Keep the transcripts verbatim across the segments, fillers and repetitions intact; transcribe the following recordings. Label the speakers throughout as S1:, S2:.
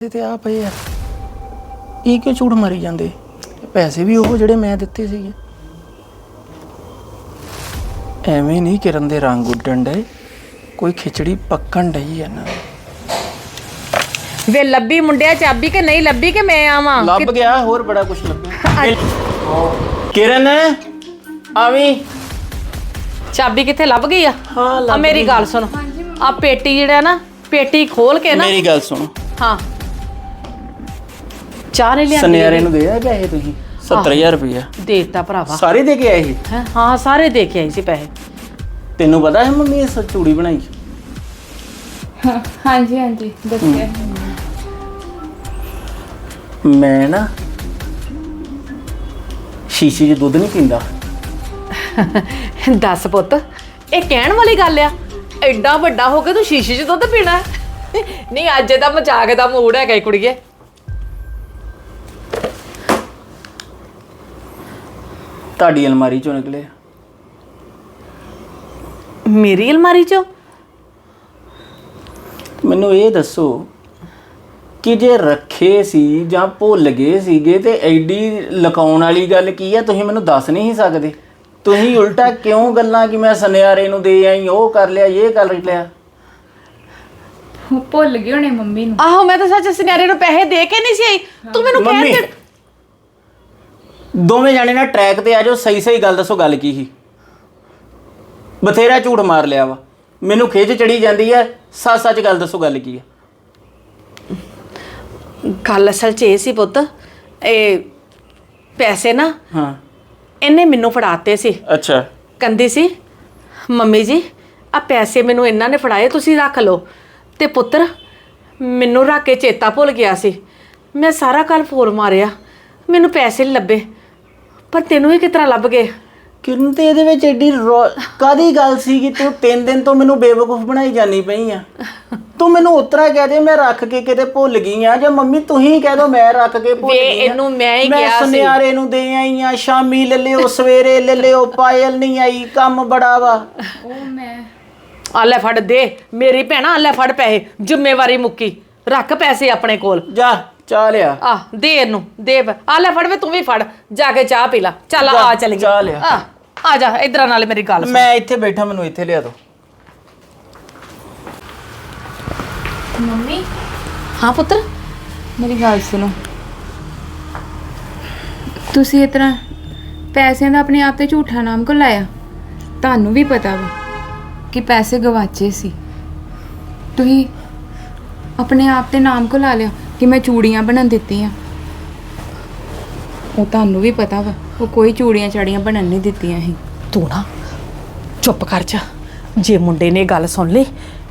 S1: ਤੇ ਆ ਪਏ ਆ ਇਹ ਕਿਉਂ ਝੂਠ ਮਾਰੀ ਜਾਂਦੇ ਪੈਸੇ ਵੀ ਉਹ ਜਿਹੜੇ ਮੈਂ ਦਿੱਤੇ ਸੀਗੇ ਐਵੇਂ ਨਹੀਂ ਕਿਰਨ ਦੇ ਰੰਗ ਉੱਡਣ ਡੇ ਕੋਈ ਖਿਚੜੀ ਪੱਕਣ ਡਈ ਆ ਨਾ
S2: ਵੇ ਲੱਭੀ ਮੁੰਡਿਆ ਚਾਬੀ ਕਿ ਨਹੀਂ ਲੱਭੀ ਕਿ ਮੈਂ ਆਵਾਂ
S1: ਲੱਭ ਗਿਆ ਹੋਰ ਬੜਾ ਕੁਝ ਲੱਭਿਆ ਕਿਰਨ ਆਵੀਂ
S2: ਚਾਬੀ ਕਿੱਥੇ ਲੱਭ ਗਈ ਆ
S1: ਹਾਂ
S2: ਆ ਮੇਰੀ ਗੱਲ ਸੁਣ ਆ ਪੇਟੀ ਜਿਹੜਾ ਨਾ ਪੇਟੀ ਖੋਲ ਕੇ ਨਾ
S1: ਮੇਰੀ ਗੱਲ ਸੁਣ
S2: ਹਾਂ ਚਾਹ ਨਹੀਂ ਲਿਆਂਦੀ
S1: ਸੁਨਿਆਰੇ ਨੂੰ ਦੇ ਆ ਪੈਸੇ ਤੁਸੀਂ ਸੱਤਰ ਹਜ਼ਾਰ ਰੁਪਇਆ
S2: ਦੇਤਾ ਭਰਾਵਾ
S1: ਸਾਰੇ ਦੇ ਕੇ ਆਏ ਸੀ
S2: ਹੈਂ? ਹਾਂ ਸਾਰੇ ਦੇ ਕੇ ਆਈ ਸੀ ਪੈਸੇ
S1: ਤੈਨੂੰ ਪਤਾ ਹੈ ਮੰਮੀ ਇਸ ਚੂੜੀ ਬਣਾਈ
S3: ਹਾਂਜੀ ਹਾਂਜੀ ਦੱਸਿਆ
S1: ਮੈਂ ਨਾ ਸ਼ੀਸ਼ੇ 'ਚ ਦੁੱਧ ਨਹੀਂ ਪੀਂਦਾ
S2: ਦੱਸ ਪੁੱਤ ਇਹ ਕਹਿਣ ਵਾਲੀ ਗੱਲ ਆ ਐਡਾ ਵੱਡਾ ਹੋ ਕੇ ਤੂੰ ਸ਼ੀਸ਼ੇ 'ਚ ਦੁੱਧ ਪੀਣਾ ਨਹੀਂ ਅੱਜ ਦਾ ਮਜ਼ਾਕ ਦਾ ਮੂਡ ਹੈਗਾ ਕੁੜੀਏ
S1: ਤੁਹਾਡੀ ਅਲਮਾਰੀ 'ਚੋਂ ਨਿਕਲੇ
S2: ਮੇਰੀ ਅਲਮਾਰੀ 'ਚੋਂ
S1: ਮੈਨੂੰ ਇਹ ਦੱਸੋ ਕਿ ਜੇ ਰੱਖੇ ਸੀ ਜਾਂ ਭੁੱਲ ਗਏ ਸੀਗੇ ਤੇ ਐਡੀ ਲਕਾਉਣ ਵਾਲੀ ਗੱਲ ਕੀ ਆ ਤੁਸੀਂ ਮੈਨੂੰ ਦੱਸ ਨਹੀਂ ਸਕਦੇ ਤੁਸੀਂ ਉਲਟਾ ਕਿਉਂ ਗੱਲਾਂ ਕਿ ਮੈਂ ਸੁਨਿਆਰੇ ਨੂੰ ਦੇ ਆਈ ਉਹ ਕਰ ਲਿਆ ਇਹ ਕਰ ਲਿਆ
S3: ਭੁੱਲ ਗਏ ਹੋਣੇ ਮੰਮੀ ਨੂੰ
S2: ਆਹੋ ਮੈਂ ਤਾਂ ਸੱਚ ਸੁਨਿਆਰੇ ਨੂੰ ਪੈਸੇ ਦੇ ਕੇ ਨਹੀਂ ਸੀ ਆਈ ਤੂੰ ਮੈਨੂੰ ਕਹਿ
S1: ਮੰਮੀ
S2: ਦੇ
S1: ਦੋਵੇਂ ਜਾਣੇ ਨਾ ਟਰੈਕ ਤੇ ਆ ਜਾਓ ਸਹੀ ਸਹੀ ਗੱਲ ਦੱਸੋ ਗੱਲ ਕੀ ਸੀ ਬਥੇਰਾ ਝੂਠ ਮਾਰ ਲਿਆ ਵਾ ਮੈਨੂੰ ਖਿੱਚ ਚੜੀ ਜਾਂਦੀ ਹੈ ਸੱਚ ਸੱਚ ਗੱਲ ਦੱਸੋ ਗੱਲ ਕੀ ਹੈ
S2: ਗੱਲ ਅਸਲ 'ਚ ਇਹ ਸੀ ਪੁੱਤ ਇਹ ਪੈਸੇ ਨਾ
S1: ਹਾਂ
S2: ਇਹਨੇ ਮੈਨੂੰ ਫੜਾਤੇ ਸੀ
S1: ਅੱਛਾ
S2: ਕਹਿੰਦੀ ਸੀ ਮੰਮੀ ਜੀ ਆ ਪੈਸੇ ਮੈਨੂੰ ਇਹਨਾਂ ਨੇ ਫੜਾਏ ਤੁਸੀਂ ਰੱਖ ਲਓ ਤੇ ਪੁੱਤਰ ਮੈਨੂੰ ਰੱਖ ਕੇ ਚੇਤਾ ਭੁੱਲ ਗਿਆ ਸੀ ਮੈਂ ਸਾਰਾ ਕੱਲ ਫੋਨ ਮਾਰਿਆ ਮੈਨੂੰ ਪੈਸੇ ਨਹੀਂ ਲੱਭੇ ਪਰ ਤੈਨੂੰ ਹੀ ਕਿਸ ਤਰ੍ਹਾਂ ਲੱਭ ਗਏ
S1: ਕਿਰਨ ਤੇ ਇਹਦੇ ਵਿੱਚ ਐਡੀ ਕਾਦੀ ਗੱਲ ਸੀ ਕਿ ਤੂੰ ਤਿੰਨ ਦਿਨ ਤੋਂ ਮੈਨੂੰ ਬੇਵਕੂਫ ਬਣਾਈ ਜਾਨੀ ਪਈ ਆ ਤੂੰ ਮੈਨੂੰ ਉਤਰਾ ਕਹਿ ਦੇ ਮੈਂ ਰੱਖ ਕੇ ਕਿਤੇ ਭੁੱਲ ਗਈ ਆ ਜਾਂ ਮੰਮੀ ਤੁਸੀਂ ਕਹਿ ਦੋ ਮੈਂ ਰੱਖ ਕੇ ਭੁੱਲ
S2: ਵੇ
S1: ਗਈ ਆ
S2: ਇਹਨੂੰ ਮੈਂ ਹੀ
S1: ਮੈਂ
S2: ਕਿਹਾ ਸੀ
S1: ਸੁਨਿਆਰੇ ਨੂੰ ਦੇ ਆਈ ਆ ਸ਼ਾਮੀ ਲੈ ਲਿਓ ਸਵੇਰੇ ਲੈ ਲਿਓ ਪਾਇਲ ਨਹੀਂ ਆਈ ਕੰਮ ਬੜਾ ਵਾ
S3: ਉਹ ਮੈਂ
S2: ਆ ਲੈ ਫੜ ਦੇ ਮੇਰੀ ਭੈਣਾ ਆ ਲੈ ਫੜ ਪੈਸੇ ਜ਼ਿੰਮੇਵਾਰੀ ਮੁੱਕੀ ਰੱਖ ਪੈਸੇ ਆਪਣੇ ਕੋਲ
S1: ਜਾ ਚਾਹ ਲਿਆ
S2: ਆ ਦੇ ਇਹਨੂੰ ਦੇ ਆ ਲੈ ਫੜ ਵੇ ਤੂੰ ਵੀ ਫੜ ਜਾ ਕੇ ਚਾਹ ਪੀ ਲੈ ਚੱਲ ਆ ਚੱਲ
S1: ਚਾਹ ਲਿਆ।
S2: ਆ ਆ ਜਾ ਇਧਰ ਨਾਲ ਮੇਰੀ ਗੱਲ ਸੁਣ
S1: ਮੈਂ ਇੱਥੇ ਬੈਠਾ ਮੈਨੂੰ ਇੱਥੇ ਲਿਆ ਦੋ
S3: ਮੰਮੀ
S2: ਹਾਂ ਪੁੱਤਰ
S3: ਮੇਰੀ ਗੱਲ ਸੁਣੋ ਤੁਸੀਂ ਇਸ ਤਰ੍ਹਾਂ ਪੈਸਿਆਂ ਦਾ ਆਪਣੇ ਆਪ ਤੇ ਝੂਠਾ ਨਾਮ ਕਿਉਂ ਲਾਇਆ ਤੁਹਾਨੂੰ ਵੀ ਪਤਾ ਵਾ ਕਿ ਪੈਸੇ ਗਵਾਚੇ ਸੀ ਤੁਸੀਂ ਆਪਣੇ ਆਪ ਤੇ ਨਾਮ ਕਿਉਂ ਲਾ ਲਿਆ ਕਿ ਮੈਂ ਚੂੜੀਆਂ ਬਣਨ ਦਿੱਤੀਆਂ ਉਹ ਤੁਹਾਨੂੰ ਵੀ ਪਤਾ ਵਾ ਉਹ ਕੋਈ ਚੂੜੀਆਂ ਚਾੜੀਆਂ ਬਣਨ ਨਹੀਂ ਦਿੱਤੀਆਂ ਸੀ
S2: ਤੂੰ ਨਾ ਚੁੱਪ ਕਰ ਜਾ ਜੇ ਮੁੰਡੇ ਨੇ ਗੱਲ ਸੁਣ ਲਈ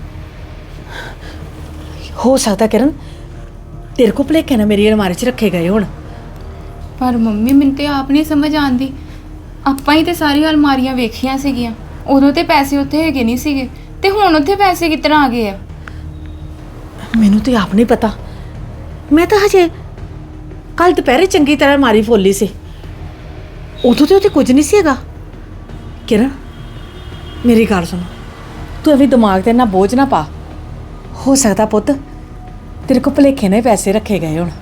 S2: ਹੋ ਸਕਦਾ ਕਿਰਨ ਤੇਰੇ ਕੋ ਭੁਲੇਖੇ ਨਾ ਮੇਰੀ ਅਲਮਾਰੀ 'ਚ ਰੱਖੇ ਗਏ ਹੁਣ
S3: ਪਰ ਮੰਮੀ ਮੈਨੂੰ ਤੇ ਆਪ ਨਹੀਂ ਸਮਝ ਆਉਂਦੀ ਆਪਾਂ ਹੀ ਤੇ ਸਾਰੀਆਂ ਅਲਮਾਰੀਆਂ ਵੇਖੀਆਂ ਸੀਗੀਆਂ ਉਦੋਂ ਤੇ ਪੈਸੇ ਉੱਥੇ ਹੈਗੇ ਨਹੀਂ ਸੀਗੇ ਤੇ ਹੁਣ ਉੱਥੇ ਪੈਸੇ ਕਿੱਦਾਂ ਆ ਗਏ ਆ
S2: ਮੈਨੂੰ ਤੇ ਆਪ ਨਹੀਂ ਪਤਾ ਮੈਂ ਤਾਂ ਹਜੇ ਕੱਲ ਦੁਪਹਿਰੇ ਚੰਗੀ ਤਰ੍ਹਾਂ ਅਲਮਾਰੀ ਫੋਲੀ ਸੀ ਉਦੋਂ ਤੇ ਉੱਥੇ ਕੁਝ ਨਹੀਂ ਸੀ ਹੈਗਾ ਕਿਰਨ ਮੇਰੀ ਗੱਲ ਸੁਣ ਤੂੰ ਅਭੀ ਦਿਮਾਗ ਤੇ ਨਾ ਬੋਝ ਨਾ ਪਾ ਹੋ ਸਕਦਾ ਪੁੱਤ ਤੇਰੇ ਕੋ ਭੁਲੇਖੇ ਨੇ ਪੈਸੇ ਰੱਖੇ ਗਏ ਹੁਣ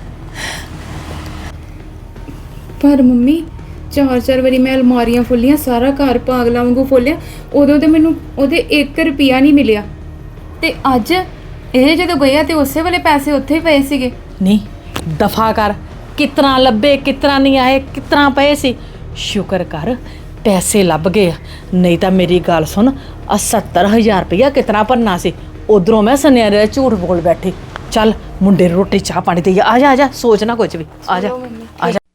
S3: ਪਰ ਮੰਮੀ ਚਾਰ ਚਾਰ ਵਾਰੀ ਮੈਂ ਅਲਮਾਰੀਆਂ ਫੁੱਲੀਆਂ ਸਾਰਾ ਘਰ ਪਾਗਲਾਂ ਵਾਂਗੂ ਫੁੱਲਿਆ ਉਦੋਂ ਤੇ ਮੈਨੂੰ ਉਹਦੇ ਇੱਕ ਰੁਪਿਆ ਨਹੀਂ ਮਿਲਿਆ ਤੇ ਅੱਜ ਇਹ ਜਦੋਂ ਗਏ ਤੇ ਉਸੇ ਵੇਲੇ ਪੈਸੇ ਉੱਥੇ ਹੀ ਪਏ ਸੀਗੇ
S2: ਨਹੀਂ ਦਫਾ ਕਰ ਕਿਤਨਾ ਲੱਭੇ ਕਿਤਨਾ ਨਹੀਂ ਆਏ ਕਿਤਨਾ ਪਏ ਸੀ ਸ਼ੁਕਰ ਕਰ ਪੈਸੇ ਲੱਭ ਗਏ ਨਹੀਂ ਤਾਂ ਮੇਰੀ ਗੱਲ ਸੁਣ ਆ ਸੱਤਰ ਹਜ਼ਾਰ ਰੁਪਇਆ ਕਿਤਨਾ ਭਰਨਾ ਸੀ ਉਧਰੋਂ ਮੈਂ ਸੁਨਿਆਰੇ ਦਾ ਝੂਠ ਬੋਲ ਬੈਠੀ ਚੱਲ ਮੁੰਡੇ ਨੂੰ ਰੋਟੀ ਚਾਹ ਪਾਣੀ ਦੇ ਆ ਜਾ ਆ ਜਾ ਸੋਚ ਨਾ ਕੁਝ ਵੀ ਆ ਜਾ ਆ ਜਾ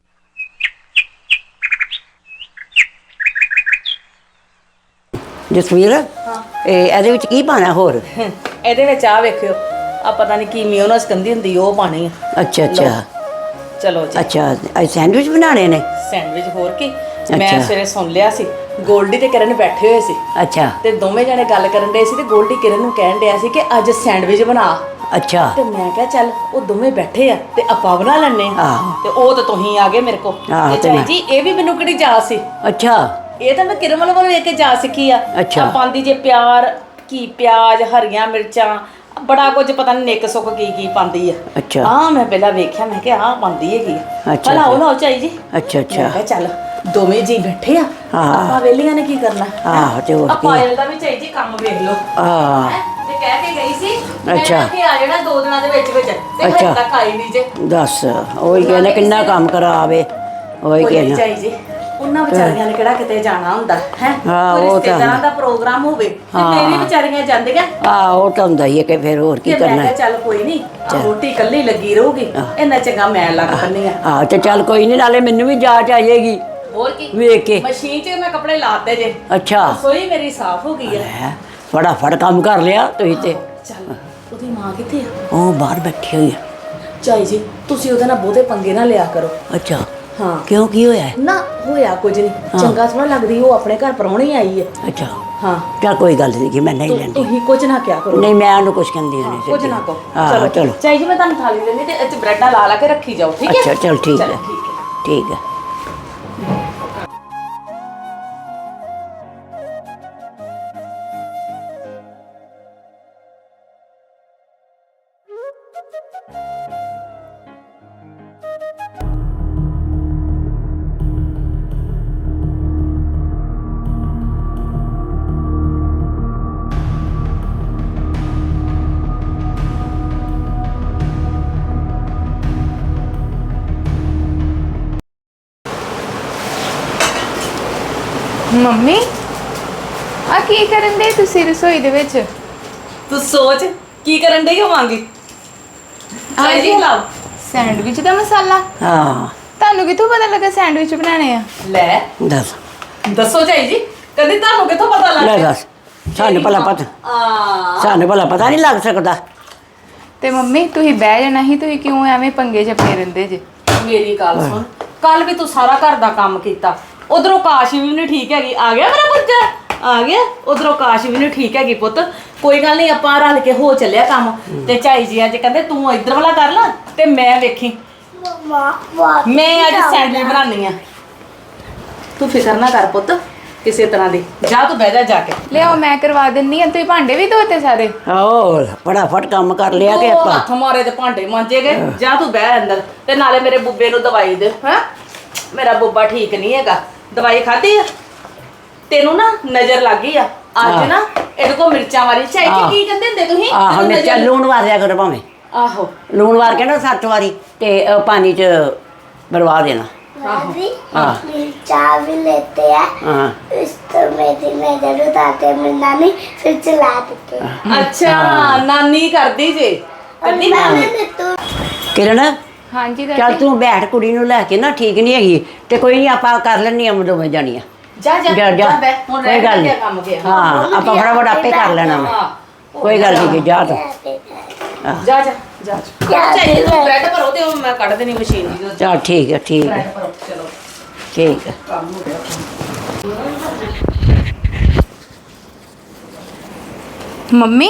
S4: ਜਸਵੀਰ ਇਹ ਇਹਦੇ ਵਿੱਚ ਕੀ ਪਾਣਾ ਹੋਰ
S2: ਇਹਦੇ ਵਿੱਚ ਆ ਵੇਖਿਓ ਆ ਪਤਾ ਨਹੀਂ ਕੀ ਮਿਓਨਸ ਕੰਦੀ ਹੁੰਦੀ ਉਹ ਪਾਣੀ ਆ
S4: ਅੱਛਾ ਅੱਛਾ
S2: ਚਲੋ ਜੀ
S4: ਅੱਛਾ ਇਹ ਸੈਂਡਵਿਚ ਬਣਾਣੇ ਨੇ
S2: ਸੈਂਡਵਿਚ ਹੋਰ ਕੀ ਮੈਂ ਸਵੇਰੇ ਸੁਣ ਲਿਆ ਸੀ ਗੋਲਡੀ ਤੇ ਕਿਰਨ ਬੈਠੇ ਹੋਏ ਸੀ
S4: ਅੱਛਾ
S2: ਤੇ ਦੋਵੇਂ ਜਣੇ ਗੱਲ ਕਰਨ ਦੇ ਸੀ ਤੇ ਗੋਲਡੀ ਕਿਰਨ ਨੂੰ ਕਹਿਣ ਡਿਆ ਸੀ ਕਿ ਅੱਜ ਸੈਂਡਵਿਚ ਬਣਾ
S4: ਅੱਛਾ
S2: ਤੇ ਮੈਂ ਕਿਹਾ ਚੱਲ ਉਹ ਦੋਵੇਂ ਬੈਠੇ ਆ ਤੇ ਆਪਾਂ ਬਣਾ ਲੈਣੇ
S4: ਆਹੋ।
S2: ਤੇ ਉਹ ਤਾਂ ਤੁਸੀਂ ਆ ਗਏ ਮੇਰੇ ਕੋਲ
S4: ਆਹੋ,
S2: ਤੇ
S4: ਤੇ
S2: ਚਾਈ
S4: ਮੈਂ-
S2: ਜੀ ਇਹ ਵੀ ਮੈਨੂੰ ਕਿਹੜੀ ਜਾ ਸੀ
S4: ਅੱਛਾ
S2: ਇਹ ਤਾਂ ਮੈਂ ਕਿਰਨ ਵੱਲੋਂ ਵੇਖ ਕੇ ਜਾ ਸਿੱਖੀ ਆ
S4: ਅੱਛਾ।
S2: ਆਪਾਂ ਦੀ ਜੇ ਪਿਆਰ ਕੀ ਪਿਆਜ਼ ਹਰੀਆਂ ਮਿਰਚਾਂ ਬੜਾ ਕੁਝ ਪਤਾ ਨਹੀਂ ਨਿੱਕ ਸੁੱਕ ਕੀ ਕੀ ਪਾਉਂਦੀ ਆ
S4: ਅੱਛਾ।
S2: ਹਾਂ ਮੈਂ ਪਹਿਲਾਂ ਵੇਖਿਆ ਮੈਂ ਕਿਹਾ ਆਹ ਪਾਉਂਦੀ ਹੈਗੀ ਆ।
S4: ਅੱਛਾ,
S2: ਭਲਾ ਉਹ
S4: ਅੱਛਾ।
S2: ਲਾਓ ਚਾਈ ਜੀ
S4: ਅੱਛਾ
S2: ਮੈਂ
S4: ਅੱਛਾ
S2: ਕਿਹਾ ਚੱਲ ਦੋਵੇਂ ਜੀ ਬੈਠੇ ਆ
S4: ਹਾਂ।
S2: ਆਪਾਂ ਵੇਲੀਆਂ ਨੇ ਕੀ ਕਰਨਾ
S4: ਆਹੋ, ਤੇ ਹੋਰ
S2: ਆ
S4: ਕੀ।
S2: ਪਾਇਲ ਦਾ ਵੀ ਚਾਈ ਜੀ ਕੰਮ ਵੇਖ ਲਓ
S4: ਹਾਂ
S2: ਹੈਂ, ਤੇ ਕਹਿ ਕੇ ਗਈ ਸੀ ਮੈਂ
S4: ਅੱਛਾ।
S2: ਕਿ ਆ ਜਾਣਾ ਦੋ ਦਿਨਾਂ ਦੇ ਵਿੱਚ ਵਿੱਚ ਤੇ
S4: ਅੱਛਾ।
S2: ਹਜੇ ਤੱਕ ਆਈ ਨਹੀਂ ਜੇ
S4: ਦੱਸ ਉਹੀ ਕਹਿੰਦੇ ਕਿੰਨਾ ਕੰਮ ਕਰਾਵੇ ਉਹੀ
S2: ਕੋਈ ਨੀ
S4: ਕਹਿੰਦਾ
S2: ਚਾਈ ਜੀ ਉਹਨਾਂ ਵਿਚਾਰੀਆਂ ਨੇ ਕਿਹੜਾ ਕਿਤੇ ਜਾਣਾ ਹੁੰਦਾ ਹੈ
S4: ਹਾਂ,
S2: ਕੋਈ
S4: ਉਹ ਤਾਂ
S2: ਰਿਸ਼ਤੇਦਾਰਾਂ
S4: ਹੁੰਦਾ।
S2: ਦਾ ਪ੍ਰੋਗਰਾਮ ਹੋਵੇ ਤੇ
S4: ਹਾਂ।
S2: ਮੇਰੀ ਵਿਚਾਰੀਆਂ ਜਾਂਦੀਆਂ
S4: ਆ ਉਹ ਤਾਂ ਹੁੰਦਾ ਹੀ ਹੈ ਕਿ ਫਿਰ ਹੋਰ ਕੀ
S2: ਕਿ ਮੈਂ
S4: ਕਰਨਾ
S2: ਕਿਹਾ ਚੱਲ ਕੋਈ ਨਹੀਂ ਰੋਟੀ ਇਕੱਲੀ ਲੱਗੀ ਰਹੂਗੀ ਇੰਨਾ ਚੰਗਾ ਮੈਂ ਲੱਗ ਪੰਨੀ ਆ
S4: ਹਾਂ ਤੇ ਚੱਲ ਕੋਈ ਨਹੀਂ, ਨਾਲੇ ਮੈਨੂੰ ਵੀ ਜਾਚ ਆ ਜਾਏਗੀ
S2: ਹੋਰ ਕੀ
S4: ਵੇਖ ਕੇ।
S2: ਮਸ਼ੀਨ 'ਚ ਮੈਂ ਕੱਪੜੇ ਲਾਤੇ ਜੇ
S4: ਅੱਛਾ
S2: ਰਸੋਈ ਮੇਰੀ ਸਾਫ਼ ਹੋ ਗਈ ਆ
S4: ਹੈ ਫਟਾਫਟ ਕੰਮ ਕਰ ਲਿਆ ਤੁਸੀਂ ਤੇ।
S2: ਚੱਲ ਉਹਦੀ ਮਾਂ ਕਿੱਥੇ ਆ
S4: ਉਹ ਬਾਹਰ ਬੈਠੀ ਹੋਈ ਆ।
S2: ਚਾਈ ਜੀ ਤੁਸੀਂ ਉਹਦੇ ਨਾਲ ਬਹੁਤੇ ਪੰਗੇ ਨਾ ਲਿਆ ਕਰੋ
S4: ਅੱਛਾ
S2: ਹਾਂ
S4: ਕਿਉਂ ਕੀ ਹੋਇਆ ਹੈ?
S2: ਨਾ ਹੋਇਆ ਕੁਝ ਨਹੀਂ ਚੰਗਾ ਥੋੜਾ ਲੱਗਦੀ ਉਹ ਆਪਣੇ ਘਰ ਪਰੌਣੀ ਆਈ ਹੈ
S4: ਅੱਛਾ
S2: ਹਾਂ
S4: ਚੱਲ ਕੋਈ ਗੱਲ ਨਹੀਂ ਕਿ ਮੈਂ ਨਹੀਂ
S2: ਤੁ-
S4: ਲੈਂਦੀ।
S2: ਤੁਸੀਂ ਕੁਝ ਨਾ ਕਿਆ ਕਰੋ
S4: ਨਹੀਂ ਮੈਂ ਉਹਨੂੰ ਕੁਝ ਕਹਿੰਦੀ ਨਹੀਂ
S2: ਕੁਝ ਨਾ ਕਹੋ
S4: ਹਾਂ ਚਲੋ
S2: ਚਾਈ ਜੀ ਮੈਂ ਤੁਹਾਨੂੰ ਥਾਲੀ ਦਿੰਦੀ ਤੇ ਇੱਥੇ ਬ੍ਰੈਡਾਂ ਲਾ ਲਾ ਕੇ ਰੱਖੀ ਜਾਓ ਠੀਕ ਹੈ
S4: ਅੱਛਾ ਚਲ ਠੀਕ
S2: ਚਲੋ,
S4: ਹੈ
S2: ਠੀਕ ਹੈ
S4: ਠੀਕ ਹੈ।
S3: ਮੰਮੀ ਆ ਕੀ ਕਰਨ ਦੇ ਤੁਸੀਂ ਰਸੋਈ ਦੇ ਵਿੱਚ?
S2: ਤੂੰ ਸੋਚ ਕੀ ਕਰਨ ਡਈ ਹੋਵਾਂਗੀ ਚਾਈ ਜੀ ਲਾਓ
S3: ਸੈਂਡਵਿਚ ਦਾ ਮਸਾਲਾ?
S4: ਹਾਂ
S3: ਤੁਹਾਨੂੰ ਕਿੱਥੋਂ ਪਤਾ ਲੱਗਾ ਸੈਂਡਵਿਚ ਬਣਾਣੇ ਆ?
S2: ਲੈ
S4: ਦੱਸ
S2: ਦੱਸੋ ਚਾਈ ਜੀ ਕਦੀ ਤੁਹਾਨੂੰ ਕਿੱਥੋਂ ਪਤਾ ਲੱਗ
S4: ਲੈ
S2: ਗਿਆ
S4: ਦੱਸ ਸਾਨੂੰ ਭਲਾ ਪਤਾ
S2: ਆ
S4: ਸਾਨੂੰ ਭਲਾ ਪਤਾ ਨਹੀਂ ਲੱਗ ਸਕਦਾ।
S3: ਤੇ ਮੰਮੀ ਤੁਸੀਂ ਬਹਿ ਜਾਣਾ ਸੀ, ਤੁਸੀਂ ਕਿਉਂ ਐਵੇਂ ਪੰਗੇ ਚ ਪਏ ਰਹਿੰਦੇ ਜੇ?
S2: ਮੇਰੀ ਗੱਲ ਸੁਣ ਕੱਲ ਵੀ ਤੂੰ ਸਾਰਾ ਘਰ ਦਾ ਕੰਮ ਕੀਤਾ ਉਧਰੋਂ ਕਾਸ਼ ਵੀ ਨਹੀਂ ਠੀਕ ਹੈਗੀ ਆ ਗਿਆ ਮੇਰਾ ਬੱਚਾ ਆ ਗਿਆ ਉਧਰੋਂ ਕਾਸ਼ ਵੀ ਨਹੀਂ ਠੀਕ ਹੈਗੀ ਪੁੱਤ ਕੋਈ ਗੱਲ ਨਹੀਂ ਆਪਾਂ ਰਲ ਕੇ ਹੋ ਚੱਲਿਆ ਕੰਮ ਤੇ ਚਾਈ ਜੀ ਅੱਜ ਕਹਿੰਦੇ ਤੂੰ ਇੱਧਰ ਵਾਲਾ ਕਰ ਲੈ ਤੇ ਮੈਂ ਵੇਖੀ ਮੈਂ ਅੱਜ ਸੈਂਡਵਿਚ ਬਣਾਉਣੀ ਆ ਤੂੰ ਫਿਕਰ ਨਾ ਕਰ ਪੁੱਤ ਕਿਸੇ ਤਰ੍ਹਾਂ ਦੀ ਜਾ ਤੂੰ ਬਹਿ ਜਾ ਜਾ ਕੇ
S3: ਲਿਆਓ ਮੈਂ ਕਰਵਾ ਦਿੰਨੀ ਆ। ਤੁਸੀਂ ਭਾਂਡੇ ਵੀ ਧੋਤੇ ਸਾਰੇ?
S4: ਆਓ ਫਟਾਫਟ ਕੰਮ ਕਰ ਲਿਆ ਕਿ
S2: ਉਹ
S4: ਆਪਾਂ।
S2: ਹੱਥ ਮਾਰੇ ਤੇ ਭਾਂਡੇ ਮਾਂਜੇ ਗਏ ਜਾ ਤੂੰ ਬਹਿ ਅੰਦਰ ਤੇ ਨਾਲੇ ਮੇਰੇ ਬੁੱਬੇ ਨੂੰ ਦਵਾਈ ਦੇ ਹਾਂ ਮੇਰਾ ਬੁੱਬਾ ਠੀਕ ਨਹੀਂ ਹੈਗਾ ਦਵਾਈ ਖਾਧੀ ਆ ਤੈਨੂੰ ਨਾ ਨਜ਼ਰ ਲੱਗ ਗਈ ਆ ਅੱਜ ਨਾ ਇਹਦੇ ਕੋ ਮਿਰਚਾਂ ਵਾਲੀ ਚਾਈ ਜੀ ਕੀ ਕਹਿੰਦੇ ਹੁੰਦੇ ਤੁਸੀਂ
S4: ਆਹੋ
S2: ਤੈਨੂੰ
S4: ਮਿਰਚਾਂ
S2: ਨਜ਼ਰ-
S4: ਲੂਣ ਵਾਰਿਆ ਕਰੋ ਭਾਵੇਂ
S2: ਆਹੋ
S4: ਲੂਣ ਵਾਰ ਕੇ ਨਾ ਸੱਤ ਵਾਰੀ ਤੇ ਉਹ ਪਾਣੀ 'ਚ ਬਰਵਾ ਦੇਣਾ।
S5: दादी
S4: हाँ।
S5: चाय भी लेते हैं
S4: ਹਾਂ
S5: इस तो मेरी नजर उतारते हैं मेरी नानी फिर चला देते हैं
S2: ਅੱਛਾ ਨਾਨੀ ਕਰਦੀ ਜੇ
S5: और
S2: ਕਰਦੀ
S5: मैंने तो
S4: ਕਿਰਨ
S3: ਹਾਂਜੀ
S4: ਚੱਲ
S3: ਦਾਦੀ।
S4: ਤੂੰ ਬੈਠ ਕੁੜੀ ਨੂੰ ਲੈ ਕੇ ਨਾ ਠੀਕ ਨਹੀਂ ਹੈਗੀ ਤੇ ਕੋਈ ਨਹੀਂ ਆਪਾਂ ਕਰ ਲੈਣੀਆਂ ਦੋਵੇਂ ਜਾਣੀਆਂ।
S2: ਜਾ ਜਾ
S4: ਜਾ ਜਾ
S2: ਬਹਿ ਹੁਣ
S4: ਕੋਈ
S2: ਰਹਿ
S4: ਗੱਲ
S2: ਗਿਆ
S4: ਨਹੀਂ
S2: ਕੰਮ ਗਿਆ
S4: ਹਾਂ ਆਪਾਂ ਫਟਾਫਟ ਆਪੇ ਕਰ ਲੈਣਾ ਵਾ।
S2: ਹਾਂ
S4: ਕੋਈ ਗੱਲ ਨਹੀਂ ਜਾ ਤੂੰ
S2: ਜਾ ਜਾ ਜਾ ਚਾਹੀਏ ਤੂੰ ਬ੍ਰੈਡ ਭਰੋ ਤੇ ਉਹ ਮੈਂ ਕੱਢ ਦੇਣੀ ਮਸ਼ੀਨ ਦੀ
S4: ਚੱਲ ਠੀਕ ਹੈ ਠੀਕ ਹੈ
S2: ਬ੍ਰੈਡ ਭਰੋ ਚਲੋ
S4: ਠੀਕ ਹੈ।
S2: ਕੰਮ ਹੋ ਗਿਆ
S3: ਮੰਮੀ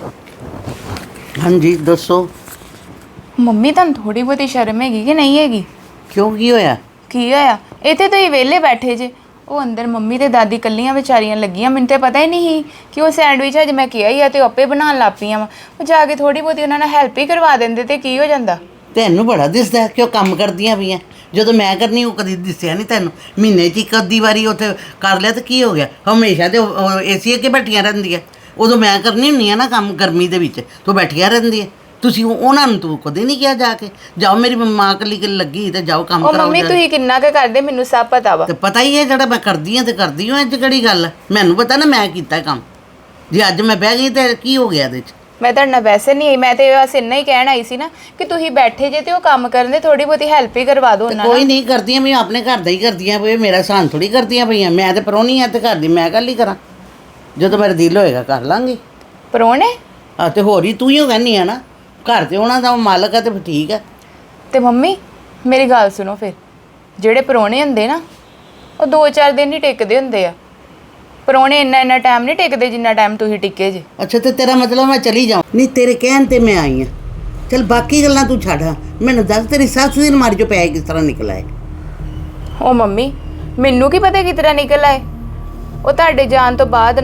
S6: ਹਾਂਜੀ ਦੱਸੋ
S3: ਮੰਮੀ ਤੁਹਾਨੂੰ ਥੋੜੀ ਬਹੁਤੀ ਸ਼ਰਮ ਹੈਗੀ ਕਿ ਨਹੀਂ ਹੈਗੀ?
S6: ਕਿਉਂ ਕੀ ਹੋਇਆ?
S3: ਕੀ ਹੋਇਆ? ਇੱਥੇ ਤੁਸੀਂ ਵਿਹਲੇ ਬੈਠੇ ਜੇ, ਉਹ ਅੰਦਰ ਮੰਮੀ ਤੇ ਦਾਦੀ ਕੱਲੀਆਂ ਵਿਚਾਰੀਆਂ ਲੱਗੀਆਂ। ਮੈਨੂੰ ਤੇ ਪਤਾ ਹੀ ਨਹੀਂ ਸੀ ਕਿ ਉਹ ਸੈਂਡਵਿਚ ਅੱਜ ਮੈਂ ਕਿਹਾ ਹੀ ਆ ਤੇ ਉਹ ਆਪੇ ਬਣਾਉਣ ਲੱਗ ਪਈਆਂ ਵਾ। ਉਹ ਜਾ ਕੇ ਥੋੜੀ ਬਹੁਤੀ ਉਹਨਾਂ ਨਾਲ ਹੈਲਪ ਹੀ ਕਰਵਾ ਦਿੰਦੇ ਤੇ ਕੀ ਹੋ ਜਾਂਦਾ?
S6: ਤੈਨੂੰ ਬੜਾ ਦਿਸਦਾ ਹੈ ਕਿ ਉਹ ਕੰਮ ਕਰਦੀਆਂ ਪਈਆਂ। ਜਦੋਂ ਮੈਂ ਕਰਨੀ ਉਹ ਕਦੀ ਦਿਸਿਆ ਨਹੀਂ ਤੈਨੂੰ। ਮਹੀਨੇ 'ਚ ਇੱਕ ਅੱਧੀ ਵਾਰੀ ਉੱਥੇ ਕਰ ਲਿਆ ਤਾਂ ਕੀ ਹੋ ਗਿਆ? ਹਮੇਸ਼ਾ ਤੇ ਏਸੀ ਅੱਗੇ ਬੈਠੀਆਂ ਰਹਿੰਦੀਆਂ। ਉਦੋਂ ਮੈਂ ਕਰਨੀ ਹੁੰਨੀ ਆ ਨਾ ਕੰਮ ਗਰਮੀ ਦੇ ਵਿੱਚ ਤੂੰ ਬੈਠੀਆਂ ਰਹਿੰਦੀਆਂ। ਤੁਸੀਂ ਉਹ- ਉਹਨਾਂ ਨੂੰ ਤੂੰ ਕਦੇ ਨਹੀਂ ਕਿਹਾ ਜਾ ਕੇ ਜਾਓ ਮੇਰੀ ਮਾਂ ਕੱਲੀ ਕੱਲੀ ਲੱਗੀ ਤੇ ਜਾਓ ਕੰਮ
S3: ਉਹ
S6: ਕਰਾਓ
S3: ਮੰਮੀ
S6: ਜਾ।
S3: ਤੁਸੀਂ ਕਿੰਨਾ ਕੁ ਕਰਦੇ ਮੈਨੂੰ ਸਭ ਪਤਾ ਵਾ।
S6: ਤੇ ਪਤਾ ਹੀ ਹੈ ਜਿਹੜਾ ਮੈਂ ਕਰਦੀ ਹਾਂ ਤੇ ਕਰਦੀ ਹਾਂ। ਅੱਜ ਕਿਹੜੀ ਗੱਲ ਹੈ? ਮੈਨੂੰ ਪਤਾ ਨਾ ਮੈਂ ਕੀਤਾ ਕੰਮ। ਜੇ ਅੱਜ ਮੈਂ ਬਹਿ ਗਈ ਤੇ ਕੀ ਹੋ ਗਿਆ ਇਹਦੇ 'ਚ?
S3: ਮੈਂ ਤੁਹਾਡੇ ਨਾਲ ਵੈਸੇ ਨਹੀਂ ਆਈ, ਮੈਂ ਤੇ ਬਸ ਇੰਨਾ ਹੀ ਕਹਿਣ ਆਈ ਸੀ ਨਾ ਕਿ ਤੁਸੀਂ ਬੈਠੇ ਜੇ ਤੇ ਉਹ ਕੰਮ ਕਰਨ ਦੇ ਥੋੜੀ ਬਹੁਤੀ ਹੈਲਪ ਹੀ ਕਰਵਾ ਦਿਓ ਉਹਨਾਂ
S6: ਕੋਈ
S3: ਨਾਲ।
S6: ਨਹੀਂ ਕਰਦੀਆਂ ਮੈਂ ਆਪਣੇ ਘਰ ਦਾ ਹੀ ਕਰਦੀਆਂ ਪਈ। ਮੇਰਾ ਸਾਨ ਥੋੜੀ ਕਰਦੀਆਂ ਪਈਆਂ। ਮੈਂ ਤੇ ਪਰੋਣੀ ਆ ਤੇ ਘਰ ਦੀ ਮੈਂ ਕੱਲ ਹੀ ਕਰਾਂ। ਜਦੋਂ ਮੇਰਾ ਦਿਲ ਹੋਏਗਾ ਕਰ ਲਾਂਗੀ।
S3: ਪਰੋਣੇ?
S6: ਆ ਤੇ ਹੋਰ ਹੀ ਤੂੰ ਹੀ ਕਹਿੰਦੀ ਆ ਨਾ ਘਰ ਤੇ ਉਹਨਾਂ ਦਾ ਉਹ ਮਾਲਕ ਆ ਤੇ ਫਿਰ ਠੀਕ ਆ।
S3: ਤੇ ਮੰਮੀ ਮੇਰੀ ਗੱਲ ਸੁਣੋ, ਫਿਰ ਜਿਹੜੇ ਪਰੋਣੇ ਹੁੰਦੇ ਨਾ ਉਹ ਦੋ ਚਾਰ ਦਿਨ ਹੀ ਟਿਕਦੇ ਹੁੰਦੇ ਆ। ਪਰੋਣੇ ਇੰਨਾ ਇੰਨਾ ਟਾਈਮ ਨਹੀਂ ਟਿਕਦੇ ਜਿੰਨਾ ਟਾਈਮ ਤੁਸੀਂ ਟਿੱਕੇ ਜੇ।
S6: ਅੱਛਾ ਤੇ ਤੇਰਾ ਮਤਲਬ ਮੈਂ ਚਲੀ ਜਾਵਾਂ? ਨਹੀਂ ਤੇਰੇ ਕਹਿਣ ਤੇ ਮੈਂ ਆਈ ਆ। ਚਲ ਬਾਕੀ ਗੱਲਾਂ ਤੂੰ ਛੱਡ। ਮੈਨੂੰ ਦੱਸ ਤੇਰੀ ਸੱਸ ਦੀ ਅਲਮਾਰੀ ਚੋਂ ਪੈਸੇ ਕਿਸ ਤਰ੍ਹਾਂ ਨਿਕਲ ਆਏ?
S3: ਉਹ ਮੰਮੀ ਮੈਨੂੰ ਕੀ ਪਤਾ ਕਿਸ ਤਰ੍ਹਾਂ ਨਿਕਲ ਆਏ। ਉਹ ਤੁਹਾਡੇ ਜਾਣ ਤੋਂ ਬਾਅਦ ਨਾ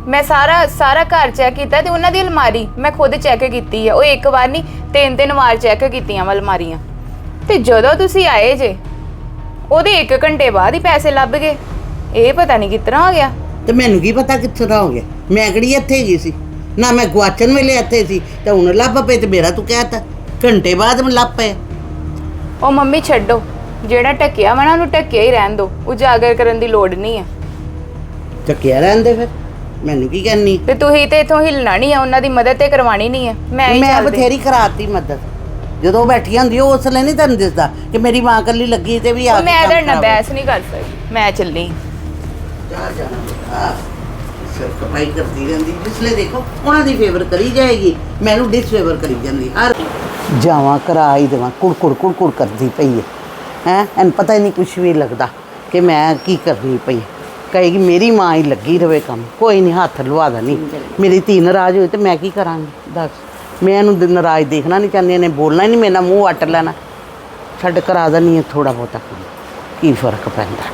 S3: ਮੈਂ ਸਾਰਾ ਸਾਰਾ ਘਰ ਚੈੱਕ ਕੀਤਾ ਤੇ ਉਹਨਾਂ ਦੀ ਅਲਮਾਰੀ ਮੈਂ ਖੁਦ ਚੈੱਕ ਕੀਤੀ ਹੈ। ਉਹ ਇੱਕ ਵਾਰ ਨਹੀਂ ਤਿੰਨ ਤਿੰਨ ਵਾਰ ਚੈੱਕ ਕੀਤੀਆਂ ਵਾ ਅਲਮਾਰੀਆਂ। ਤੇ ਜਦੋਂ ਤੁਸੀਂ ਆਏ ਜੇ ਉਹਦੇ ਇੱਕ ਘੰਟੇ ਬਾਅਦ ਹੀ ਪੈਸੇ ਲੱਭ ਗਏ। ਇਹ ਪਤਾ ਨਹੀਂ ਕਿਤਨਾ ਹੋ ਗਿਆ।
S6: ਤੇ ਮੈਨੂੰ ਕੀ ਪਤਾ ਕਿੱਥੋਂ ਦਾ ਹੋ ਗਿਆ, ਮੈਂ ਕਿਹੜੀ ਇੱਥੇ ਗਈ ਸੀ ਨਾ, ਮੈਂ ਗੁਆਚਣ ਵੇਲੇ ਇੱਥੇ ਸੀ ਤੇ ਹੁਣ ਲੱਭ ਪਏ ਤੇ ਮੇਰਾ ਤੂੰ ਕਹਿਤਾ ਘੰਟੇ ਬਾਅਦ ਮੈਂ ਲੱਭ ਪਏ।
S3: ਉਹ ਮੰਮੀ ਛੱਡੋ, ਜਿਹੜਾ ਟੱਕਿਆ ਵਾ ਨਾ ਉਹਨੂੰ ਟੱਕਿਆ ਹੀ ਰਹਿਣ ਦਿਓ, ਉਜਾਗਰ ਕਰਨ ਦੀ ਲੋੜ ਨਹੀਂ ਹੈ।
S6: ਚੱਕਿਆ ਰਹਿੰਦੇ ਫਿਰ ਮੈਨੂੰ ਕੀ ਕਰਨੀ।
S3: ਤੇ ਤੁਸੀਂ ਤੇ ਇਥੋਂ ਹਿੱਲਣਾ ਨਹੀਂ ਹੈ, ਉਹਨਾਂ ਦੀ ਮਦਦ ਤੇ ਕਰਵਾਣੀ ਨਹੀਂ ਹੈ। ਮੈਂ ਹੀ
S6: ਮੈਂ
S3: ਚੱਲਦੀ।
S6: ਬਥੇਰੀ ਕਰਾਤੀ ਮਦਦ, ਜਦੋਂ ਉਹ ਬੈਠੀ ਹੁੰਦੀ ਉਹ ਉਸ ਲਈ ਨਹੀਂ ਤੈਨੂੰ ਦਿਸਦਾ ਕਿ ਮੇਰੀ ਮਾਂ ਇਕੱਲੀ ਲੱਗੀ ਤੇ ਵੀ ਆ
S3: ਉਹ
S6: ਕੇ
S3: ਮੈਂ
S6: ਕੰਮ
S3: ਤੁਹਾਡੇ ਨਾਲ
S6: ਕਰਾਵੇ।
S3: ਬਹਿਸ ਨਹੀਂ ਕਰ ਸਕਦੀ, ਮੈਂ ਚੱਲੀ।
S6: ਜਾ ਜਾਣਾ ਸਿਰ ਕਪਾਈ ਕਰਦੀ ਰਹਿੰਦੀ, ਜਿਸ ਲਈ ਦੇਖੋ ਉਹਨਾਂ ਦੀ ਫੇਵਰ ਕਰੀ ਜਾਏਗੀ, ਮੈਨੂੰ ਡਿਸਫੇਵਰ ਕਰੀ ਜਾਂਦੀ ਹਰ ਜਾਵਾਂ ਕਰਾ ਹੀ ਦੇਵਾਂ। ਕੁੜਕੁੜ ਕੁੜਕੁੜ ਕਰਦੀ ਪਈ ਹੈ ਹੈ ਇਹਨੂੰ ਪਤਾ ਹੀ ਨਹੀਂ ਕੁਛ ਵੀ ਲੱਗਦਾ ਕਿ ਮੈਂ ਕੀ ਕਰਨੀ ਪਈ। ਕਹੇਗੀ ਮੇਰੀ ਮਾਂ ਹੀ ਲੱਗੀ ਰਵੇ ਕੰਮ, ਕੋਈ ਨਹੀਂ ਹੱਥ ਲਵਾ ਦੇਣੀ। ਮੇਰੀ ਧੀ ਨਾਰਾਜ਼ ਹੋਈ ਤੇ ਮੈਂ ਕੀ ਕਰਾਂਗੀ ਦੱਸ, ਮੈਂ ਇਹਨੂੰ ਦ- ਨਾਰਾਜ਼ ਦੇਖਣਾ ਨਹੀਂ ਚਾਹੁੰਦੀ, ਇਹਨੇ ਬੋਲਣਾ ਹੀ ਨਹੀਂ, ਮੇਰੇ ਨਾਲ ਮੂੰਹ ਵੱਟ ਲੈਣਾ। ਛੱਡ ਕਰਾ ਦੇਣੀ ਹੈ ਥੋੜ੍ਹਾ ਬਹੁਤਾ ਕੰਮ, ਕੀ ਫਰਕ ਪੈਂਦਾ।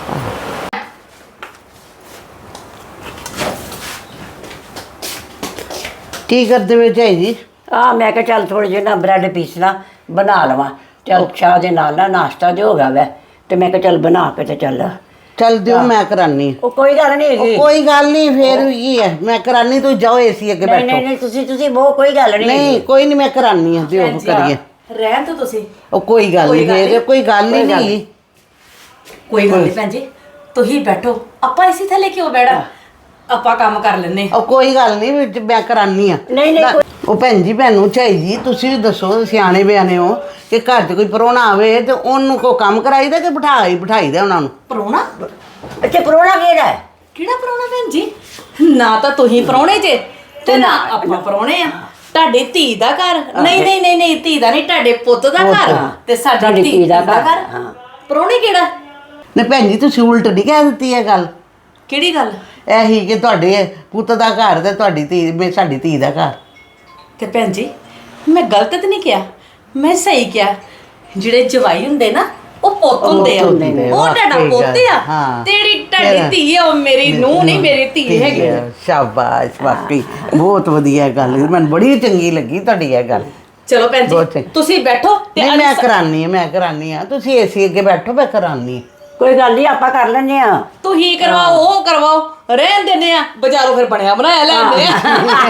S6: ਕੀ ਕਰਦੇ ਵੇ ਝਾਈ ਜੀ?
S4: ਆ ਮੈਂ ਕਿਹਾ ਚੱਲ ਥੋੜੇ ਜਿਹੇ ਨਾ ਬ੍ਰੈਡ ਪੀਸ ਨਾ ਬਣਾ ਲਵਾਂ, ਚੱਲ ਚਾਹ ਦੇ ਨਾਲ ਨਾ ਨਾਸ਼ਤਾ ਜੋ ਹੋ ਗਿਆ ਵੈ, ਤੇ ਮੈਂ ਕਿਹਾ ਚੱਲ ਬਣਾ ਕੇ ਤੇ ਚੱਲ।
S6: ਚੱਲ ਦਿਓ ਮੈਂ ਕਰਾਨੀ।
S4: ਉਹ ਕੋਈ ਗੱਲ ਨਹੀਂ ਹੈਗੀ।
S6: ਕੋਈ ਗੱਲ ਨਹੀਂ, ਫੇਰ ਵੀ ਕੀ ਹੈ, ਮੈਂ ਕਰਾਨੀ, ਤੂੰ ਜਾਓ ਏਸੀ ਅੱਗੇ
S4: ਨਹੀਂ
S6: ਬੈਠੋ।
S4: ਨਹੀਂ ਨਹੀਂ ਤੁਸੀਂ ਤੁਸੀਂ ਬਹੁਤ ਕੋਈ ਗੱਲ ਨਹੀਂ
S6: ਨਹੀਂ ਕੋਈ ਨਹੀਂ, ਮੈਂ ਕਰਾਨੀ ਆ, ਦਿਓ ਕਰੀਏ।
S2: ਰਹਿਣ ਤੋਂ ਤੁਸੀਂ
S6: ਉਹ ਕੋਈ ਗੱਲ ਨਹੀਂ, ਫੇਰ ਕੋਈ ਗੱਲ ਹੀ ਨਹੀਂ।
S2: ਕੋਈ ਗੱਲ ਨਹੀਂ ਭੈਣ ਜੀ, ਤੁਸੀਂ ਬੈਠੋ, ਆਪਾਂ ਇਸੇ ਥੱਲੇ ਕਿਉਂ ਬੈਠਾ, ਆਪਾਂ ਕੰਮ ਕਰ ਲੈਨੇ।
S6: ਉਹ ਕੋਈ ਗੱਲ ਨਹੀਂ, ਵਿੱਚ ਮੈਂ ਕਰਾਨੀ ਆ।
S4: ਨਹੀਂ ਨਹੀਂ
S6: ਉਹ ਭੈਣ ਜੀ ਭੈਣੂ ਝਾਈ ਜੀ ਤੁਸੀਂ ਵੀ ਦੱਸੋ, ਸਿਆਣੇ ਬਿਆਣੇ ਹੋ, ਕਿ ਘਰ 'ਚ ਕੋਈ ਪ੍ਰਾਹੁਣਾ ਆਵੇ ਤੇ ਉਹਨੂੰ ਕੋ ਕੰਮ ਕਰਾਈਦਾ ਕਿ ਬਿਠਾਈ ਬਿਠਾਈਦਾ ਉਹਨਾਂ ਨੂੰ?
S2: ਪ੍ਰਾਹੁਣਾ?
S4: ਅੱਛਾ ਪ੍ਰਾਹੁਣਾ ਕਿਹੜਾ ਹੈ?
S2: ਕਿਹੜਾ ਪ੍ਰਾਹੁਣਾ ਭੈਣ ਜੀ? ਨਾ ਤਾਂ ਤੁਸੀਂ ਪ੍ਰਾਹੁਣੇ ਜੇ ਤੇ ਨਾ ਆਪਾਂ ਪ੍ਰਾਹੁਣੇ ਆ। ਤੁਹਾਡੀ ਧੀ ਦਾ ਘਰ, ਨਹੀਂ ਨਹੀਂ ਨਹੀਂ ਨਹੀਂ ਧੀ ਦਾ ਨਹੀਂ, ਤੁਹਾਡੇ ਪੁੱਤ ਦਾ ਘਰ ਤੇ ਸਾਡੀ ਧੀ ਦਾ ਘਰ। ਪ੍ਰਾਹੁਣੇ ਕਿਹੜਾ?
S6: ਨਹੀਂ ਭੈਣ ਜੀ ਤੁਸੀਂ ਉਲਟ ਨਹੀਂ ਕਹਿ ਦਿੱਤੀ ਇਹ ਗੱਲ।
S2: ਕਿਹੜੀ ਗੱਲ?
S6: ਇਹੀ ਕਿ ਤੁਹਾਡੇ ਪੁੱਤ ਦਾ ਘਰ ਤੇ ਤੁਹਾਡੀ ਧੀ ਮੇ ਸਾਡੀ ਧੀ ਦਾ ਘਰ।
S2: ਤੇ ਭੈਣ ਜੀ ਮੈਂ ਗਲਤ ਤਾਂ ਨਹੀਂ ਕਿਹਾ, ਮੈਂ ਸਹੀ ਕਿਹਾ। ਜਿਹੜੇ ਜਵਾਈ ਹੁੰਦੇ ਨਾ ਉਹ ਪੁੱਤ ਹੁੰਦੇ ਆ,
S6: ਹੁੰਦੇ ਨੇ,
S2: ਉਹ ਤੁਹਾਡਾ
S6: ਵਾਕਈ
S2: ਪੁੱਤ
S6: ਗੱਲ,
S2: ਆ,
S6: ਹਾਂ।
S2: ਤੇਰੀ ਤੁਹਾਡੀ ਧੀ ਆ, ਉਹ ਮੇਰੀ ਨੂੰਹ ਨਹੀਂ, ਮੇਰੀ ਧੀ ਹੈਗੀ।
S6: ਸ਼ਾਬਾਸ਼, ਵਾਕਈ ਬਹੁਤ ਵਧੀਆ ਗੱਲ, ਮੈਨੂੰ ਬੜੀ ਚੰਗੀ ਲੱਗੀ ਤੁਹਾਡੀ ਇਹ ਗੱਲ।
S2: ਚਲੋ ਭੈਣ
S6: ਬਹੁਤ
S2: ਜੀ
S6: ਚੰਗੀ।
S2: ਤੁਸੀਂ ਬੈਠੋ ਤੇ
S6: ਨਹੀਂ ਮੈਂ
S2: ਅਨਸ-
S6: ਕਰਾਨੀ ਆ, ਮੈਂ ਕਰਾਨੀ ਆ, ਤੁਸੀਂ ਏਸੀ ਅੱਗੇ ਬੈਠੋ, ਮੈਂ ਕਰਾਨੀ ਆ।
S4: ਕੋਈ ਗੱਲ ਨਹੀਂ ਆਪਾਂ ਕਰ ਲੈਂਦੇ ਆ।
S2: ਤੁਸੀਂ ਕਰਵਾਓ, ਉਹ ਕਰਵਾਓ, ਰਹਿਣ ਦਿੰਦੇ ਆ, ਬਾਜ਼ਾਰੋਂ ਫਿਰ ਬਣਿਆ ਬਣਾਇਆ ਲੈਂਦੇ ਆ।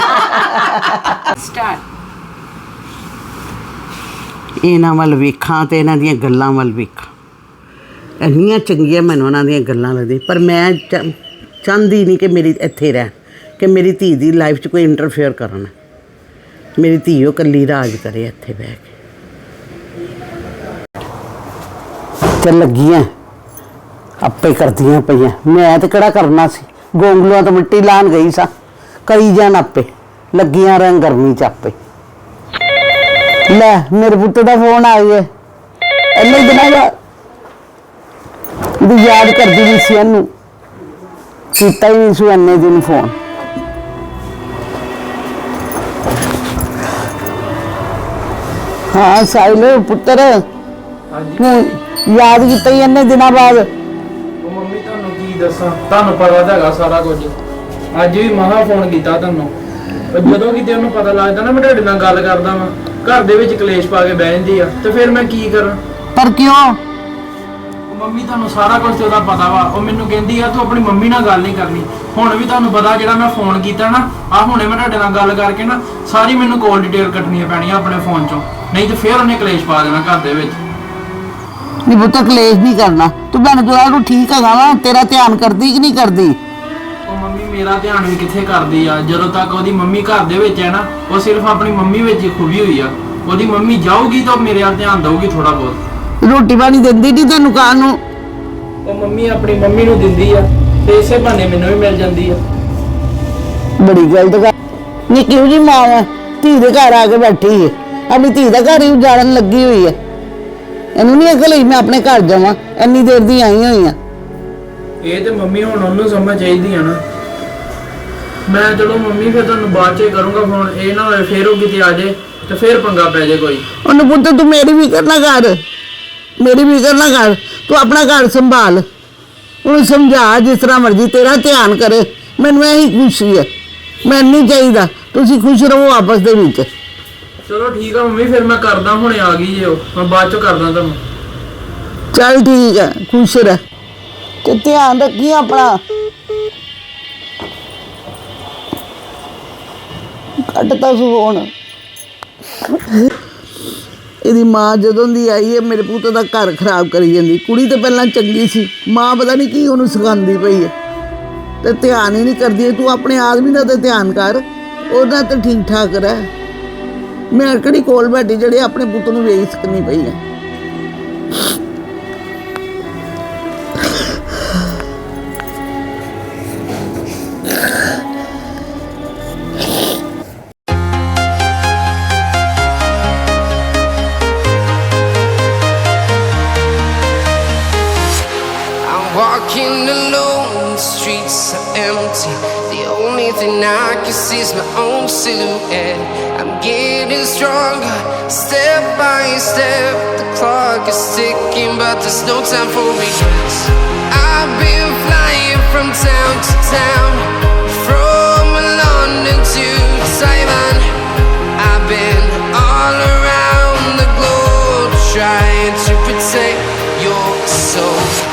S3: ਸਟਾਰਟ।
S6: ਇਹਨਾਂ ਵੱਲ ਵੇਖਾਂ ਤੇ ਇਹਨਾਂ ਦੀਆਂ ਗੱਲਾਂ ਵੱਲ ਵੇਖਾਂ, ਇੰਨੀਆਂ ਚੰਗੀਆਂ ਮੈਨੂੰ ਉਹਨਾਂ ਦੀਆਂ ਗੱਲਾਂ ਲੱਗਦੀਆਂ, ਪਰ ਮੈਂ ਚ- ਚਾਹੁੰਦੀ ਨਹੀਂ ਕਿ ਮੇਰੀ ਇੱਥੇ ਰਹਿਣ, ਕਿ ਮੇਰੀ ਧੀ ਦੀ ਲਾਈਫ 'ਚ ਕੋਈ ਇੰਟਰਫੇਅਰ ਕਰਨ। ਮੇਰੀ ਧੀ ਉਹ ਇਕੱਲੀ ਰਾਜ ਕਰੇ ਇੱਥੇ ਬਹਿ ਕੇ। ਤੇ ਲੱਗੀਆਂ ਆਪੇ ਕਰਦੀਆਂ ਪਈਆਂ, ਮੈਂ ਤੇ ਕਿਹੜਾ ਕਰਨਾ ਸੀ, ਗੋਂਗਲੂਆਂ ਤੋਂ ਮਿੱਟੀ ਲਾਣ ਗਈ ਸਾਂ, ਕਰੀ ਜਾਣ ਆਪੇ, ਲੱਗੀਆਂ ਰਹਿਣ ਗਰਮੀ 'ਚ ਆਪੇ। ਲੈ ਮੇਰੇ ਪੁੱਤ ਦਾ ਫੋਨ ਆ ਗਿਆ, ਇੰਨੇ ਦਿਨਾਂ ਬਾਅਦ ਵੀ ਯਾਦ ਕਰਦੀ ਨਹੀਂ ਸੀ ਇਹਨੂੰ, ਕੀਤਾ ਹੀ ਨਹੀਂ ਸੀ ਇੰਨੇ ਦਿਨ ਫੋਨ। ਹਾਂ ਸਾਹਿਲ ਪੁੱਤਰ, ਹੁਣ ਯਾਦ ਕੀਤਾ ਹੀ ਇੰਨੇ ਦਿਨਾਂ ਬਾਅਦ।
S7: ਉਹ ਮੰਮੀ ਤੁਹਾਨੂੰ ਕੀ ਦੱਸਾਂ, ਤੁਹਾਨੂੰ ਪਤਾ ਤਾਂ ਹੈਗਾ ਸਾਰਾ ਕੁਝ। ਅੱਜ ਵੀ ਮਹਾ ਫੋਨ ਕੀਤਾ ਤੁਹਾਨੂੰ, ਪਰ ਜਦੋਂ ਕਿਤੇ ਉਹਨੂੰ ਪਤਾ ਲੱਗਦਾ ਨਾ ਮੈਂ ਤੁਹਾਡੇ ਨਾਲ ਗੱਲ ਕਰਦਾ ਵਾਂ, ਘਰ ਦੇ ਵਿੱਚ ਕਲੇਸ਼ ਪਾ ਕੇ ਬਹਿ ਜਾਂਦੀ ਆ, ਤੇ ਫਿਰ ਮੈਂ ਕੀ ਕਰਾਂ?
S6: ਪਰ ਕਿਉਂ?
S7: ਉਹ ਮੰਮੀ ਤੁਹਾਨੂੰ ਸਾਰਾ ਕੁਝ ਤੇ ਉਹਦਾ ਪਤਾ ਵਾ, ਉਹ ਮੈਨੂੰ ਕਹਿੰਦੀ ਆ ਤੂੰ ਆਪਣੀ ਮੰਮੀ ਨਾਲ ਗੱਲ ਨਹੀਂ ਕਰਨੀ। ਹੁਣ ਵੀ ਤੁਹਾਨੂੰ ਪਤਾ ਜਿਹੜਾ ਮੈਂ ਫੋਨ ਕੀਤਾ ਨਾ, ਆ ਹੁਣੇ ਮੈਂ ਤੁਹਾਡੇ ਨਾਲ ਗੱਲ ਕਰਕੇ ਨਾ ਸਾਰੀ ਮੈਨੂੰ ਕਾਲ ਡਿਟੇਲ ਕੱਟਣੀਆਂ ਪੈਣੀਆਂ ਆਪਣੇ ਫੋਨ ਚੋਂ, ਨਹੀਂ ਤੇ ਫਿਰ ਉਹਨੇ ਕਲੇਸ਼ ਪਾ ਦੇਣਾ ਘਰ ਦੇ ਵਿੱਚ।
S6: ਨਹੀਂ ਪੁੱਤ ਕਲੇਸ਼ ਨਹੀਂ ਕਰਨਾ, ਤੂੰ ਮੈਨੂੰ ਜਵਾਬ ਨੂੰ ਠੀਕ ਹੈਗਾ ਵਾ, ਤੇਰਾ ਧਿਆਨ ਕਰਦੀ ਕਿ ਨਹੀਂ ਕਰਦੀ?
S7: ਉਹ ਮੰਮੀ ਮੇਰਾ ਧਿਆਨ ਵੀ ਕਿੱਥੇ ਕਰਦੀ ਆ, ਜਦੋਂ ਤੱਕ ਉਹਦੀ ਮੰਮੀ ਘਰ ਦੇ ਵਿੱਚ ਹੈ ਨਾ, ਉਹ ਸਿਰਫ ਆਪਣੀ ਮੰਮੀ ਵਿੱਚ ਹੀ ਖੁਬੀ ਹੋਈ ਆ। ਉਹਦੀ ਮੰਮੀ ਜਾਊਗੀ ਤਾਂ ਮੇਰੇ ਵੱਲ ਧਿਆਨ ਦਊਗੀ ਥੋੜਾ ਬਹੁਤ।
S6: ਰੋਟੀ ਪਾਣੀ ਦਿੰਦੀ ਨਹੀਂ ਤੈਨੂੰ ਖਾਣ ਨੂੰ?
S7: ਉਹ ਮੰਮੀ ਆਪਣੀ ਮੰਮੀ ਨੂੰ ਦਿੰਦੀ ਆ ਤੇ ਇਸੇ ਬਹਾਨੇ ਮੈਨੂੰ ਵੀ ਮਿਲ ਜਾਂਦੀ ਆ।
S6: ਬੜੀ ਗਲਤ ਗੱਲ। ਨਹੀਂ ਕਿਉਂ ਜੀ ਮਾਂ ਹੈ, ਧੀ ਦੇ ਘਰ ਆ ਕੇ ਬੈਠੀ ਹੈ, ਆਪਣੀ ਧੀ ਦਾ ਘਰ ਹੀ ਉਜਾੜਨ ਲੱਗੀ ਹੋਈ ਹੈ। ਇਹਨੂੰ ਨਹੀਂ ਅਕਲ ਹੋਈ ਮੈਂ ਆਪਣੇ ਘਰ ਜਾਵਾਂ, ਇੰਨੀ ਦੇਰ ਦੀ ਆਈ ਹੋਈ ਆ।
S7: ਇਹ ਤੇ ਮੰਮੀ ਹੁਣ ਉਹਨੂੰ ਸਮਝ ਚਾਹੀਦੀ ਆ ਨਾ। ਮੈਂ ਚਲੋ ਮੰਮੀ ਫਿਰ ਤੁਹਾਨੂੰ ਬਾਅਦ ਚ ਹੀ ਕਰੂੰਗਾ ਫੋਨ, ਇਹ ਨਾ ਹੋਏ ਫੇਰ ਉਹ ਕਿਤੇ ਆ ਜਾਏ ਤੇ ਫੇਰ ਪੰਗਾ ਪੈ ਜਾਏ ਕੋਈ।
S6: ਉਹਨੂੰ ਪੁੱਤ ਤੂੰ ਮੇਰੀ ਵੀ ਕਰਨਾ ਕਰ, ਮੇਰੀ ਵੀ ਕਰਨਾ ਕਰ, ਤੂੰ ਆਪਣਾ ਘਰ ਸੰਭਾਲ, ਉਹਨੂੰ ਸਮਝਾ ਜਿਸ ਤਰ੍ਹਾਂ ਮਰਜ਼ੀ, ਤੇਰਾ ਧਿਆਨ ਕਰੇ, ਮੈਨੂੰ ਇਹੀ ਖੁਸ਼ੀ ਹੈ। ਮੈਨੂੰ ਨਹੀਂ ਚਾਹੀਦਾ, ਤੁਸੀਂ ਖੁਸ਼ ਰਹੋ ਆਪਸ ਦੇ ਵਿੱਚ।
S7: ਚਲੋ ਠੀਕ ਆ ਮੰਮੀ, ਫਿਰ ਮੈਂ ਕਰਦਾ, ਹੁਣੇ ਆ ਗਈ ਜੇ ਉਹ, ਮੈਂ ਬਾਅਦ ਚੋਂ ਕਰਦਾ ਤੁਹਾਨੂੰ।
S6: ਚੱਲ ਠੀਕ ਹੈ, ਖੁਸ਼ ਰਹਿ ਤੇ ਧਿਆਨ ਰੱਖੀ ਆਪਣਾ। ਕੱਟਤਾ ਫੋਨ। ਇਹਦੀ ਮਾਂ ਜਦੋਂ ਦੀ ਆਈ ਹੈ ਮੇਰੇ ਪੁੱਤ ਦਾ ਘਰ ਖਰਾਬ ਕਰੀ ਜਾਂਦੀ। ਕੁੜੀ ਤਾਂ ਪਹਿਲਾਂ ਚੰਗੀ ਸੀ, ਮਾਂ ਪਤਾ ਨਹੀਂ ਕੀ ਉਹਨੂੰ ਸਿਖਾਉਂਦੀ ਪਈ ਹੈ ਤੇ ਧਿਆਨ ਹੀ ਨਹੀਂ ਕਰਦੀ। ਤੂੰ ਆਪਣੇ ਆਦਮੀ ਦਾ ਤੇ ਧਿਆਨ ਕਰ, ਉਹਦਾ ਤਾਂ ਠੀਕ ਠਾਕ ਰਹਿ। ਮੈਂ ਕਿਹੜੀ ਕੋਲ ਬੈਠੀ ਜਿਹੜੇ ਆਪਣੇ ਪੁੱਤ ਨੂੰ ਵੇਖ ਸਕਣੀ ਪਈ ਹੈ।
S8: Walking alone, the streets are empty. The only thing I can see is my own silhouette. I'm getting stronger, step by step. The clock is ticking, but there's no time for regrets. I've been flying from town to town, from London to Taiwan. I've been all around the globe, trying to protect your soul.